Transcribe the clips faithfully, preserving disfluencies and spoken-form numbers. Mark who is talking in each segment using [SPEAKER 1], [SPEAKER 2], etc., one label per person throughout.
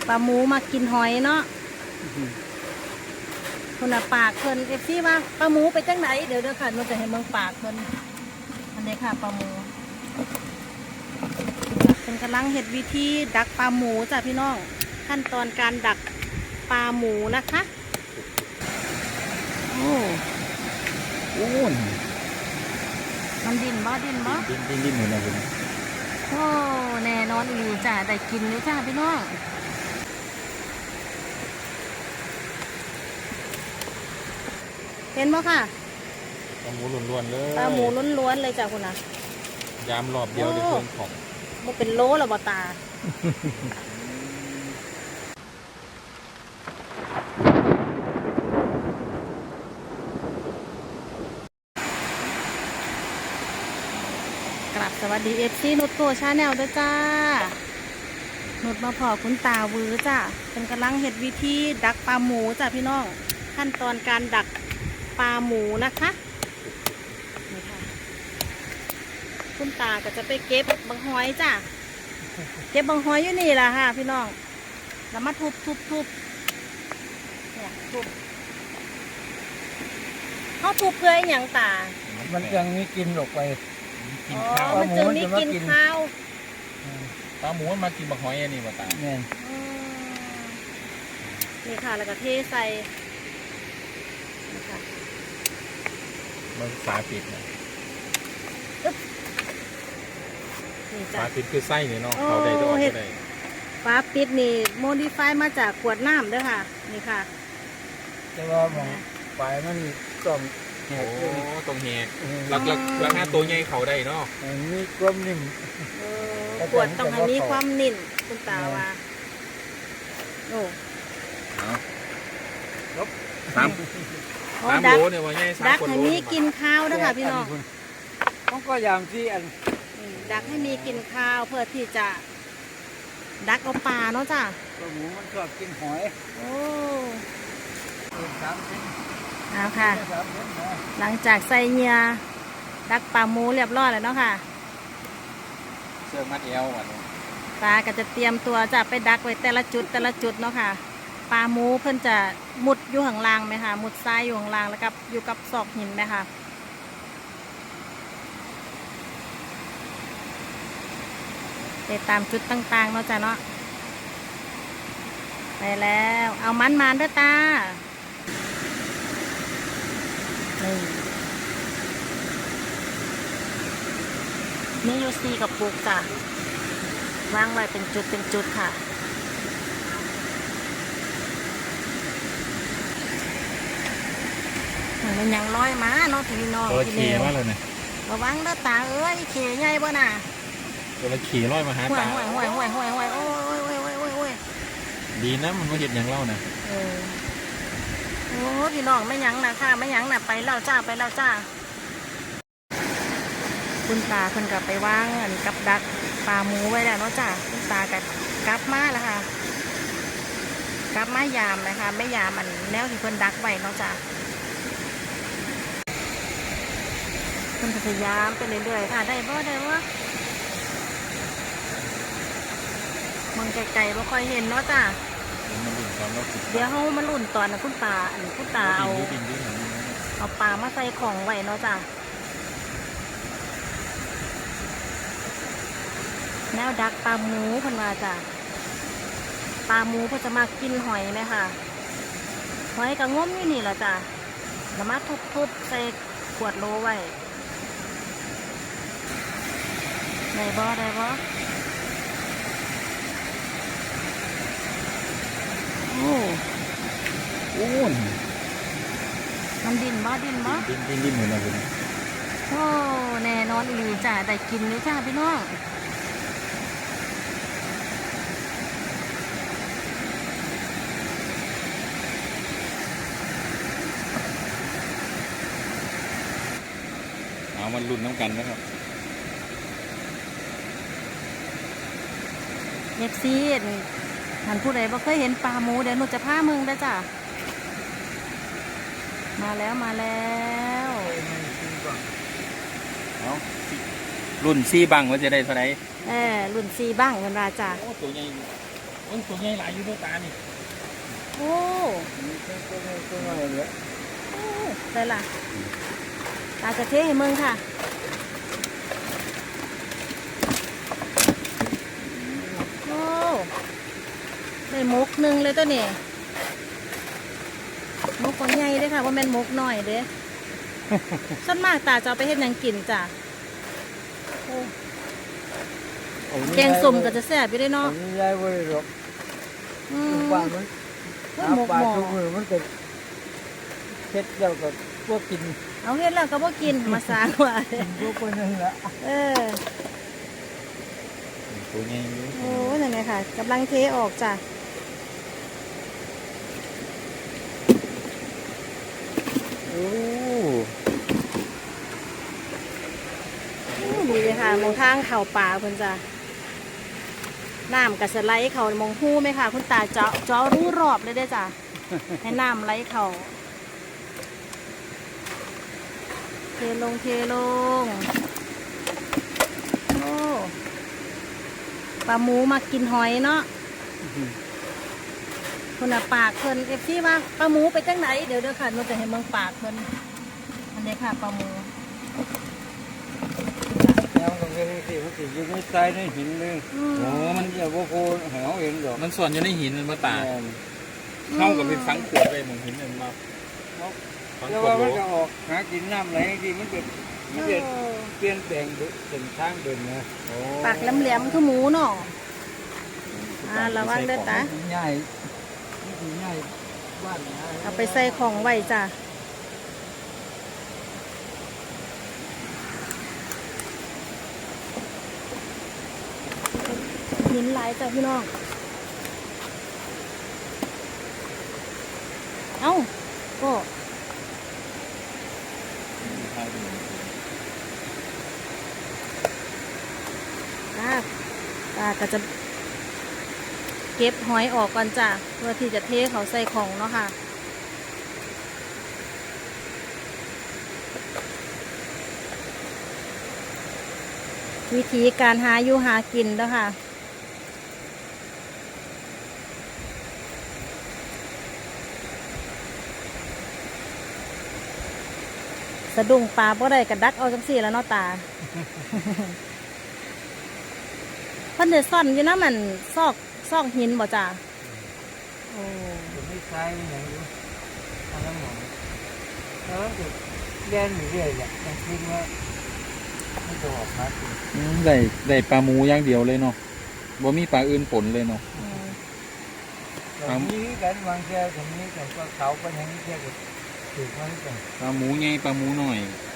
[SPEAKER 1] ปลาหมูมากินหอยเนาะคนละปากเพิ่นเอฟซีว่าปลาหมูไปจังไหนเดี๋ยวเดี๋ยวค่ะมันจะให้เมืองปากเพิ่นอันนี้ค่ะปลาหมูเป็นกำลังเห็ดวิธีดักปลาหมูจ้ะพี่น้องขั้นตอนการดักปลาหมูนะคะโอ้
[SPEAKER 2] โอ้ย
[SPEAKER 1] มันดินบ่ดินบ่
[SPEAKER 2] ดินดินดินเหมือนอะไรนะ
[SPEAKER 1] โอ้แน่นอนอีจ้ะได้กินเลยจ้ะพี่น้องเห็นบ่ค่ะ
[SPEAKER 2] ปลาหมูล้วนๆเลย
[SPEAKER 1] ปลาหมูล้วนๆเลยจ้ะคุณนะ
[SPEAKER 2] ยามรอบเดียวในส่วนของ
[SPEAKER 1] มันเป็นโลหรอบ่ตา กลับสวัสดีเอฟซีนุชโกชาแนลด้วยจ้านุชมาพอคุณตาวือจ้ะเป็นกำลังเห็ดวิธีดักปลาหมูจ้ะพี่น้องขั้นตอนการดักปลาหมูนะคะนี่ค่ะคุณตาก็จะไปเก็บบางหอยจ้ะเก็บบางหอยอยู่นี่แหละค่ะพี่น้องแล้วมาทุบทุบทุบเนี่ยทุบเขาทุบเพื่ออย่างตา
[SPEAKER 3] มันยังมีกินออกไป
[SPEAKER 1] อ๋อมันจึงมีกินข้าว
[SPEAKER 2] ปลาหมูมันมากินบักหอยอันนี้มาตา
[SPEAKER 3] เนี่ย
[SPEAKER 1] นี่ค่ะแล้วก็เทใส่นี่ค่ะ
[SPEAKER 2] มันฝาปิดนะฝาปิดคือไส้เนี่ยเนาะเขาได้ตัวได้
[SPEAKER 1] ฝาปิดนี่โมดิฟายมาจากขวดน้ำด้วยค่ะนี่ค่ะ
[SPEAKER 3] แต่ว่าของปลายมันต้อง
[SPEAKER 2] โอ้ตรงแหกหลักหลักหลักห้าตัวใหญ่เขาได้เนาะ
[SPEAKER 3] มีความนิ่ม
[SPEAKER 1] ขวดต้องให้มีความนิ่มคุณตาว่าโอ้
[SPEAKER 2] สามสามโลเนี่ยว่าใหญ่สาม
[SPEAKER 1] ดักให้มีกินข้าวด้วยค่ะพี่น้อง
[SPEAKER 3] ต้องก็ยามที่อัน
[SPEAKER 1] ดักให้มีกินข้าวเพื่อที่จะดักเอาปลาเนาะจ้ะ
[SPEAKER 3] ปลาหมูมันชอบกินหอย
[SPEAKER 1] โอ้เอาค่ะหลังจากใส่เงียดักปลาหมูเรียบร้อยแล้วเนาะค่ะ
[SPEAKER 2] เสื้อมัดเอวอ่ะ
[SPEAKER 1] ปลาก็จะเตรียมตัวจะไปดักไว้แต่ละจุดแต่ละจุดเนาะค่ะปลาหมูเพิ่นจะมุดอยู่ข้างล่างไหมคะมุดทรายอยู่ข้างล่างแล้วกับอยู่กับซอกหินไหมคะไปตามจุดต่างๆเนาะจ้ะเนาะไปแล้วเอามันมาด้วยตานี่ยูซีกับปุกจ้ะวางไว้เป็นจุดเป็นจุดค่ะมันยังลอยมาเนาะพี่น้อง
[SPEAKER 2] ตัวขี่มาเลยเนี่ย
[SPEAKER 1] ระวังนะตาเอ้ยขี่ใหญ่บ่น่ะ
[SPEAKER 2] ตัวขี่ลอยมาหาตา
[SPEAKER 1] ห่วยห่วยห่วยห่วยห่วยโอ้ยโอ้ยโอ้ยโอ้ยโอ้ย
[SPEAKER 2] ดีนะมันไม่เห็นอย่างเล่านะ
[SPEAKER 1] เออโอ้พี่น้องไม่ยั้งนะค่ะไม่ยั้งนะไปแล้วจ้าไปแล้วจ้าคุณตาเพิ่นกลับไปวางอันกับดักปลาหมูไว้แล้วเนาะจ้าคุณตากับกลับมาแล้วค่ะกลับมายามนะคะไม่ยามมันแนวที่เพิ่นดักไว้เนาะจ้าเพิ่นพยายามไปเรื่อยๆค่ะได้บ่ได้บ่มองไกลๆไม่ค่อยเห็นเนาะจ้าเดี๋ยวเขามาลุ่นตอนนะคุณตาอันคุณตาเอาเอาปลามาใส่ของไว้เนาะจ้าแนวดักปลาหมูพันว่าจ้าปลาหมูเพื่อจะมากินหอยไหมค่ะหอยกับง้มนี่นี่แหละจ้าแล้วมาทุบๆใส่ขวดโลไว้ได้บ่ได้บ่โอ้
[SPEAKER 2] โอ้ย
[SPEAKER 1] มันดินบ่ดินบ่
[SPEAKER 2] ดินดินดินเหมือนอะไรนะ
[SPEAKER 1] โอ้แน่นอนอีจ้าได้กินเลยจ้าพี่น้อง
[SPEAKER 2] เอามันลุ้นน้ำกันนะครับ
[SPEAKER 1] เอฟซีท่านผู้ใดบ่เคยเห็นปลาหมูเดี๋ยวหนูจะพามึงได้จ้ะมาแล้วมาแล้ว
[SPEAKER 2] รุ่นซีบังว่าจะได้เท่าไหร่
[SPEAKER 1] เออรุ่นซีบังเงินราจ้ะ
[SPEAKER 2] ตัวใหญ่โอ้ยตัวใหญ่หลายอยู่ตัวตานี่
[SPEAKER 1] โอ้
[SPEAKER 3] นี่ก็ก็ไม่ก็ไม่เลย
[SPEAKER 1] โอ้ได้ล่ะตาจะเทให้มึงค่ะโอ้ได้มกหนึ่งเลยตัวนี้มกคนใหญ่เด้อค่ะว่าแม่นมกหน่อยเด้ ส่วนมากตาจะเอาไปเฮ็ดหยังกินจ้ะโอ้แกงส้มก็จะแซ่บอยู่ได้เนาะ
[SPEAKER 3] นี่ยายบ่ได้หรอก
[SPEAKER 1] อืม
[SPEAKER 3] บ้านมัน
[SPEAKER 1] โอ้ย
[SPEAKER 3] หา
[SPEAKER 1] หมก
[SPEAKER 3] ปลา
[SPEAKER 1] หมอ
[SPEAKER 3] ทุกมือมันก็เฮ็ดแล้วก็พวกกิน
[SPEAKER 1] เอาเฮ็ดแล้วก็บ่กินมาสร้างว่า
[SPEAKER 3] พวกคนนึงละ
[SPEAKER 1] เออ
[SPEAKER 2] ตัวใหญ่อยู่
[SPEAKER 1] โอ้นั่นไงค่ะกำลังเทออกจ้ะ
[SPEAKER 2] โอ้
[SPEAKER 1] อืมดีเลยค่ะมองทางเข่าป่าเพิ่นจ้ะน้ำกับสไลด์เขามองหู้ไหมค่ะคุณตาเจาะเจาะรู้รอบเลยได้อจ้ะ ให้น้ำไหลเขาเทลงเทลงโอ้ปลาหมูมากินหอยเนาะคุณน่ะปากเพิ่นเอฟซีว่าปลาหมูไปจังไหนเดี๋ยวเดี๋ยวค่ะมันจะให้เมืองปากเพิ่นอันนี้ค่ะปลาหมู
[SPEAKER 3] แล้วมันก็เป็นสิมันสิอยู่ในทรายในหินเลย
[SPEAKER 1] อืม
[SPEAKER 2] โอ้มัน
[SPEAKER 3] อย่าบ่โคหาเอาเองดอก
[SPEAKER 2] มันส่วนอยู่ในหินมันมาตา
[SPEAKER 3] แม่น
[SPEAKER 2] เข้ากับเป็นฟังขวดไปมองหินมันมาฟัง
[SPEAKER 3] แล้ว
[SPEAKER 2] ขวด
[SPEAKER 3] ว่า
[SPEAKER 2] โล
[SPEAKER 3] มันก็ออกหากินน้ำไหลที่มันก็มันจะ
[SPEAKER 1] เออ
[SPEAKER 3] เปลี่ยนแปลงเส้นทางเดินนะ
[SPEAKER 2] โอ้
[SPEAKER 1] ปากแหลมๆคือหมูเนาะอ่าระวังเด้อตา
[SPEAKER 3] ง่ายง่ายบ้าน
[SPEAKER 1] เอาไปใส่ของไว้จ้ะหินหลายจ้ะพี่น้อง เอ้าก็ตาตาก็จะเก็บหอยออกก่อนจ้ะเพื่อที่จะเทเขาใส่ของเนาะค่ะ วิธีการหาอยู่หากินแล้วค่ะ สะดุ้งปลาบ่ได้กระดักเอาจังสี่แล้วเนาะตา เพิ่นได้ซ่อนอยู่นะมันซอกซอกหินบ่จ้าโอ้
[SPEAKER 3] ไม่ใช่อย่างนี้ทางน้ำหมองแล้วก็เรียนอยู่เรื่อยแหละยังคิดว่าไม่จะออกมากิน
[SPEAKER 2] อืมได้ได้ปลาหมูอย่างเดียวเลยเนาะบ่มีปลาอื่นปนเลยเนาะ
[SPEAKER 1] อืม
[SPEAKER 3] แต่นี้กันบางแค่ตรงนี้แต่ก็เขาก็ยังแค่ก็ถือมันกัน
[SPEAKER 2] ปลาหมูใหญ่ปลาหมูน้อย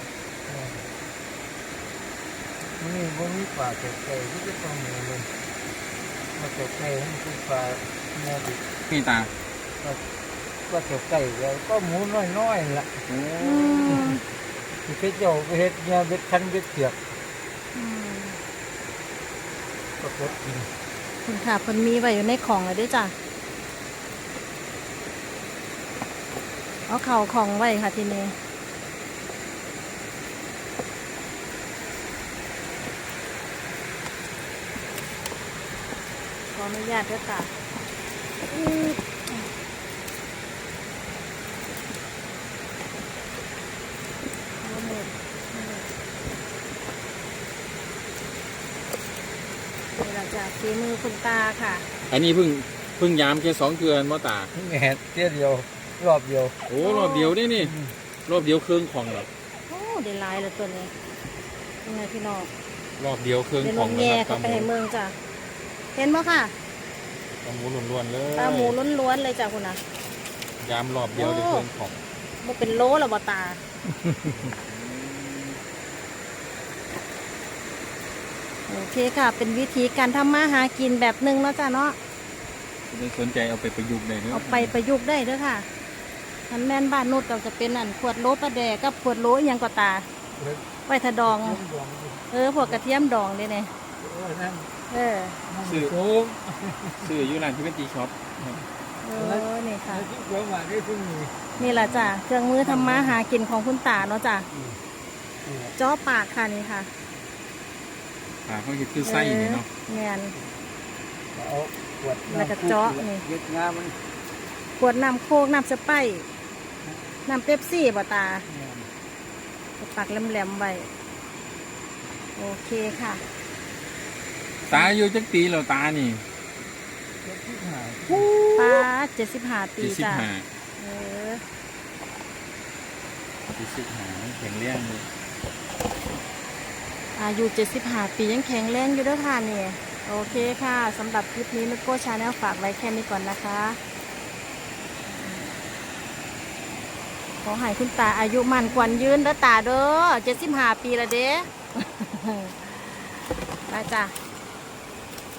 [SPEAKER 3] นี่พวกนี้ปลาเก็บไก่ที่จะต้องมีเลยมาเก็บไก่ให้มันคือปลาเนื้อดิบ
[SPEAKER 2] พี่ตา
[SPEAKER 3] ก็เก็บไก่แล้วก็หมูน้อยๆล่ะ
[SPEAKER 2] โอ้
[SPEAKER 1] อืม
[SPEAKER 3] ที่เพชรเจ้าไปเฮ็ดเนี่ยเบ็ดคันเบ็ดเสือก
[SPEAKER 1] อืม
[SPEAKER 3] ก็กดกิน
[SPEAKER 1] คุณค่ะเพิ่นมีไว้อยู่ในของเลยเด้วยจ้ะเอาเข่าของไว้ค่ะทีนี้ขออนุญาตด้วยค่ะอืมเอาหมดนี่เราจะฝีมือคุณตาค่ะ
[SPEAKER 2] อันนี้เพิ่งเพิ่งยามแค่สองเดือนมอตา
[SPEAKER 3] แม่เตี้ยเดียวรอบเดียว
[SPEAKER 2] โอ้รอบเดียวนี่นี่รอบเดียวเครื่องของเหรอ
[SPEAKER 1] โอ้ได้หลายเลยตัวนี้ยังไงพี่น้อง
[SPEAKER 2] รอบเดียวเครื่อง
[SPEAKER 1] เดี๋ยว
[SPEAKER 2] ข
[SPEAKER 1] ล
[SPEAKER 2] อง
[SPEAKER 1] ง
[SPEAKER 2] นะ
[SPEAKER 1] แย่
[SPEAKER 2] ครับ
[SPEAKER 1] เข้าไปให้เมืองจ้ะเห็นไหมค่ะ
[SPEAKER 2] ปลาหมูล้วนๆเลย
[SPEAKER 1] ปลาหมูล้วนๆเลยจ้ะคุณนะ
[SPEAKER 2] ยามรอบเดียวได้เครื่องของ
[SPEAKER 1] มันเป็นโลหรอบ่ตา โอเคค่ะ เป็นวิธีการทำมาหากินแบบหนึ่งเนาะจ้ะเนาะ
[SPEAKER 2] ไม่สนใจเอาไปประยุกต์ได้เนอะ
[SPEAKER 1] เอาไปประยุกต์ได้เด้อค่ะทันแม่นบ้านนุชก็จะเป็นอันขวดโลปลาแดกกับขวดโลอหยังก็ตา ไว้ทะดอง เออพวกกระเทียมดองเด้เนี่ย
[SPEAKER 3] นั่น
[SPEAKER 1] เออ
[SPEAKER 2] ซื้อ
[SPEAKER 3] โอ้
[SPEAKER 2] ซื้ออยู่ร้านที่เป็นตีช็อป
[SPEAKER 1] เออ นี่ค่ะ
[SPEAKER 3] ที่เกี่ยวมาได้เพิ่งมี
[SPEAKER 1] นี่แหละจ้ะ เครื่องมือทำมาหากินของคุณตาเนาะจ้ะจ้อปากค่ะนี่ค่ะ
[SPEAKER 2] อ่าเขาคิดคือไส้นี่เนาะ
[SPEAKER 1] แมน
[SPEAKER 3] เอาขวด
[SPEAKER 1] แล้วก็เจาะนี่
[SPEAKER 3] ยึดงามัน
[SPEAKER 1] ขวดน้ำโคกน้ำสไปร์น้ำเป๊ปซี่บ่ตาปักแหลมๆไว้โอเคค่ะ
[SPEAKER 2] ตาอยู่จักปีแล้วตานี่
[SPEAKER 3] เจ็ดสิบห้า
[SPEAKER 1] ป้าเจ็ดสิบห้าปี
[SPEAKER 2] เจ็ดสิบ
[SPEAKER 1] จ้ะ
[SPEAKER 2] ห้า
[SPEAKER 1] เออ
[SPEAKER 2] เจ็ดสิบห้าแข็งแรงเลย
[SPEAKER 1] อายุเจ็ดสิบห้าปียังแข็งแรงอยู่เด้วยค่ะนี่โอเคค่ะสำหรับคลิปนี้นุชโก้ชาแนลฝากไว้แค่นี้ก่อนนะคะขอให้คุณตาอายุมั่นขวัญยืนเด้อตาเด้อเจ็ดสิบห้าปีละเด้ ไปจ้ะ